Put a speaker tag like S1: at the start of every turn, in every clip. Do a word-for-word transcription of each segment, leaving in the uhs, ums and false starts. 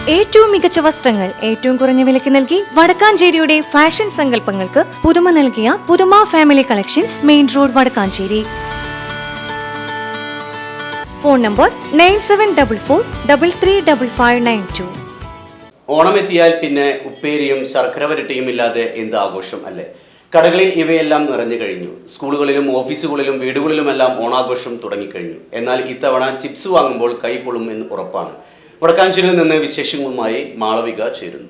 S1: ഏറ്റവും മികച്ച വസ്ത്രങ്ങൾ ഏറ്റവും കുറഞ്ഞ വിലയ്ക്ക് നൽകി വടക്കാഞ്ചേരിയുടെ ഫാഷൻ സങ്കല്പങ്ങൾക്ക് പുതുമ നൽകിയ പുതുമ family collections, main road, Vadakkanchery. Phone number nine seven double four double three double five nine two.
S2: ഓണമെത്തിയാൽ പിന്നെ ഉപ്പേരിയും ശർക്കര വരട്ടിയും ഇല്ലാതെ എന്ത് ആഘോഷം അല്ലേ? കടകളിൽ ഇവയെല്ലാം നിറഞ്ഞു കഴിഞ്ഞു. സ്കൂളുകളിലും ഓഫീസുകളിലും വീടുകളിലുമെല്ലാം ഓണാഘോഷം തുടങ്ങിക്കഴിഞ്ഞു. എന്നാൽ ഇത്തവണ ചിപ്സ് വാങ്ങുമ്പോൾ കൈ പൊള്ളും എന്ന് ഉറപ്പാണ്. വടക്കാഞ്ചേരിയിൽ നിന്ന് വിശേഷങ്ങളുമായി മാളവിക ചേരുന്നു.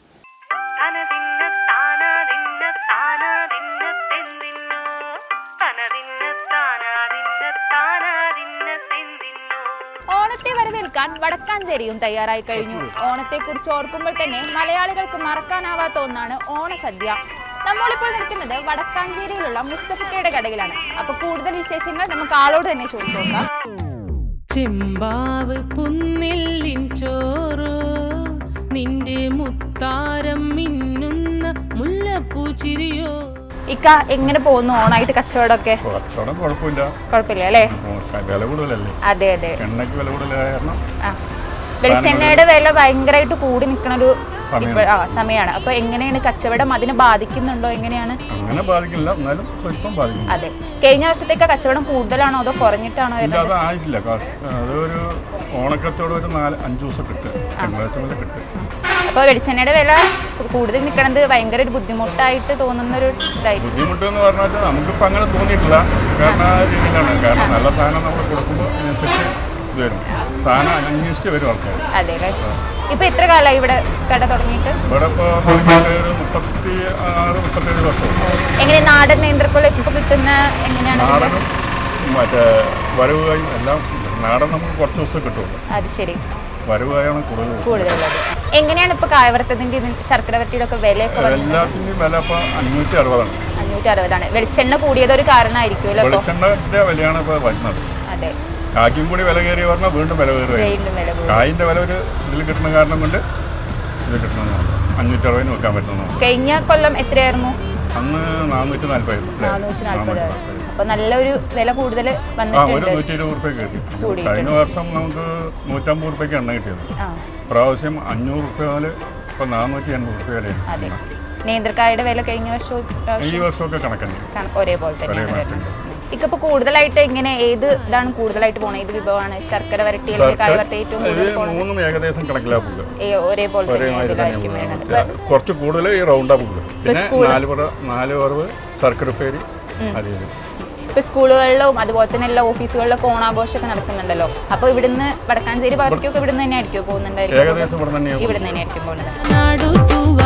S3: ഓണത്തെ വരവേൽക്കാൻ വടക്കാഞ്ചേരിയും തയ്യാറായി കഴിഞ്ഞു. ഓണത്തെ കുറിച്ച് ഓർക്കുമ്പോൾ തന്നെ മലയാളികൾക്ക് മറക്കാനാവാത്ത ഒന്നാണ് ഓണസദ്യ. നമ്മളിപ്പോൾ നിൽക്കുന്നത് വടക്കാഞ്ചേരിയിലുള്ള മുസ്തഫക്കയുടെ കടയിലാണ്. അപ്പൊ കൂടുതൽ വിശേഷങ്ങൾ നമുക്ക് ആളോട് തന്നെ ചോദിച്ചു നോക്കാം.
S4: ചെമ്പാവ് പുന്നില്ലിൻ ചോറ്, നിന്റെ മുത്താരം മിന്നുന്ന മുല്ലപ്പൂച്ചിരിയോ.
S3: ഇക്ക എങ്ങനെ പോകുന്നു ഓണായിട്ട് കച്ചവടമൊക്കെ? കുഴപ്പമില്ല അല്ലേ? അതെ അതെ. വെളിച്ചെണ്ണയുടെ വില ഭയങ്കരമായിട്ട് കൂടി നിൽക്കുന്ന ഒരു സമയമാണ്. അപ്പൊ എങ്ങനെയാണ് കച്ചവടം? അതിനെ ബാധിക്കുന്നുണ്ടോ? എങ്ങനെയാണ്?
S5: അങ്ങനെ ബാധിക്കില്ല, എന്നാലും സ്വല്പം ബാധിക്കും.
S3: അതെ. കഴിഞ്ഞ വർഷത്തേക്ക് കച്ചവടം കൂടുതലാണോ അതോ കുറഞ്ഞിട്ടാണോ?
S5: ആയിട്ടില്ല. അതൊരു ഓണക്കത്തോടെ ഒരു നാല് അഞ്ചു ദിവസം കിട്ടും.
S3: അപ്പൊ വെളിച്ചെണ്ണയുടെ വില കൂടുതൽ നിൽക്കണത് ഭയങ്കര ഒരു ബുദ്ധിമുട്ടായിട്ട് തോന്നുന്ന ഒരു ഇതായിട്ട്.
S5: ബുദ്ധിമുട്ട് എന്ന് പറഞ്ഞാൽ നമുക്കിപ്പോ അങ്ങനെ തോന്നിയിട്ടില്ല. കാരണം ആ രീതിയിലാണ്. കാരണം നല്ല സാധനം നമ്മൾ കൊടുക്കുമ്പോൾ അതിനനുസരിച്ച് ഇത് വരും. സാധനം അന്വേഷിച്ച് വരും ആൾക്കാർ.
S3: അതെ. ഇപ്പൊ എത്ര കാലമായി ഇവിടെ കട തുടങ്ങിയിട്ട്?
S5: ഇവിടെ ഇപ്പൊ ഒരു മുപ്പത്തി ആറ് മുപ്പത്തേഴ് വർഷം.
S3: എങ്ങനെ നാടൻ നേന്ത്രക്കൊല ഇപ്പൊ കിട്ടുന്ന എങ്ങനെയാണ്?
S5: നാടനും മറ്റേ വരവുകായും എല്ലാം. നാടൻ നമുക്ക് കുറച്ച് ദിവസം കിട്ടുള്ളൂ.
S3: അത് ശരി.
S5: വരവുകായാണ് കൂടുതൽ
S3: കൂടുതലുള്ളത്. എങ്ങനെയാണ് ഇപ്പൊ കായവറുത്തതിന്റെ ശർക്കര വരട്ടിയുടെ ഒക്കെ വില?
S5: എല്ലാത്തിന്റെയും വില ഇപ്പൊ അഞ്ഞൂറ്റി അറുപതാണ്.
S3: അഞ്ഞൂറ്റി അറുപതാണ്. വെളിച്ചെണ്ണ കൂടിയത് ഒരു കാരണമായിരിക്കുമല്ലോ.
S5: വെളിച്ചെണ്ണന്റെ വിലയാണ് ഇപ്പൊ വരുന്നത്.
S3: അതെ.
S5: കായ്ക്കും കൂടി വില കയറി പറഞ്ഞാൽ വീണ്ടും വില കയറി. കായിന്റെ വില ഒരു ഇതിൽ കിട്ടുന്ന കാരണം കൊണ്ട് ഇത് കിട്ടണമെന്നാണ്. അഞ്ഞൂറ്റി അറുപതിന് വെക്കാൻ പറ്റുന്നതാണ്.
S3: കഴിഞ്ഞ കൊല്ലം എത്രയായിരുന്നു?
S5: അന്ന് നാനൂറ്റി നാല്പതായിരുന്നു.
S3: നാനൂറ്റി നാല്പതായിരുന്നു. അപ്പൊ നല്ലൊരു വില കൂടുതൽ വന്നിട്ടുണ്ട്.
S5: നൂറ്റി ഇരുപത് റുപ്യ കിട്ടി. കഴിഞ്ഞ വർഷം നമുക്ക് നൂറ്റമ്പത് റുപ്യക്ക് എണ്ണ കിട്ടിയത്. പ്രാവശ്യം അഞ്ഞൂറ് റുപ്യ മുതൽ ഇപ്പൊ നാനൂറ്റി എൺപത് റുപ്യ വരെ.
S3: നേന്ത്രക്കായുടെ വില കഴിഞ്ഞ വർഷവും
S5: ഈ വർഷമൊക്കെ കണക്കന്നെ
S3: ഒരേപോലെ തന്നെ. ഇപ്പൊ കൂടുതലായിട്ട് ഇങ്ങനെ ഏത് ഇതാണ് കൂടുതലായിട്ട് പോണത്? ഏത് വിഭവമാണ്? ശർക്കര വരട്ടി, കായ വരട്ടി ഏറ്റവും
S5: മൂന്നും ഏകദേശം കണക്കിലാ പോകുക.
S3: ഒരേപോലെ
S5: കുറച്ച് കൂടുതൽ ഈ റൗണ്ടാ പോകുക. പിന്നെ നാല് പറ നാല് പറവ് ശർക്കര പേര്.
S3: ഇപ്പൊ സ്കൂളുകളിലും അതുപോലെ തന്നെ എല്ലാ ഓഫീസുകളിലൊക്കെ ഓണാഘോഷമൊക്കെ നടക്കുന്നുണ്ടല്ലോ. അപ്പൊ ഇവിടുന്ന് വടക്കാഞ്ചേരി ഭാഗത്തേക്കൊക്കെ ഇവിടുന്ന് തന്നെ ആയിരിക്കും പോകുന്നുണ്ടായിരിക്കും? ഇവിടുന്ന് തന്നെ ആയിരിക്കും പോകുന്നത്.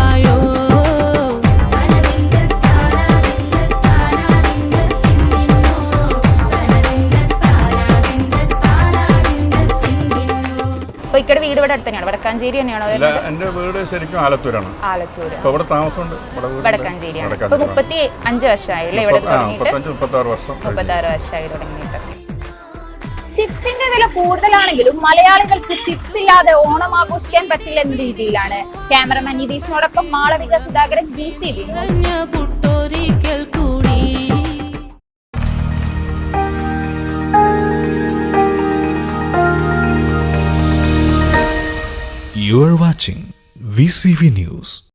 S3: അപ്പൊ ഇക്കടെ വീട് ഇവിടെ അടുത്ത് തന്നെയാണ്? വടക്കാഞ്ചേരി തന്നെയാണോ?
S5: എന്റെ വീട് ശരിക്കും ആലത്തൂരാണ്.
S3: ആലത്തൂർ.
S5: ഇവിടെ താമസമുണ്ട്.
S3: വടക്കാഞ്ചേരിയാണ്. ഇപ്പൊ മുപ്പത്തി അഞ്ച് വർഷമായില്ലേ ഇവിടെ തുടങ്ങിയിട്ട്?
S5: മുപ്പത്താറ് വർഷം
S3: മുപ്പത്താറ് വർഷമായി തുടങ്ങിയിട്ട്. ചിപ്സിന്റെ വില കൂടുതലാണെങ്കിലും മലയാളികൾക്ക് ചിപ്സ് ഇല്ലാതെ ഓണം ആഘോഷിക്കാൻ പറ്റില്ല എന്ന രീതിയിലാണ്. ക്യാമറമാൻ നിതീഷിനോടൊപ്പം Malavika Sudhakaran, B C B.
S6: You are watching V C V News.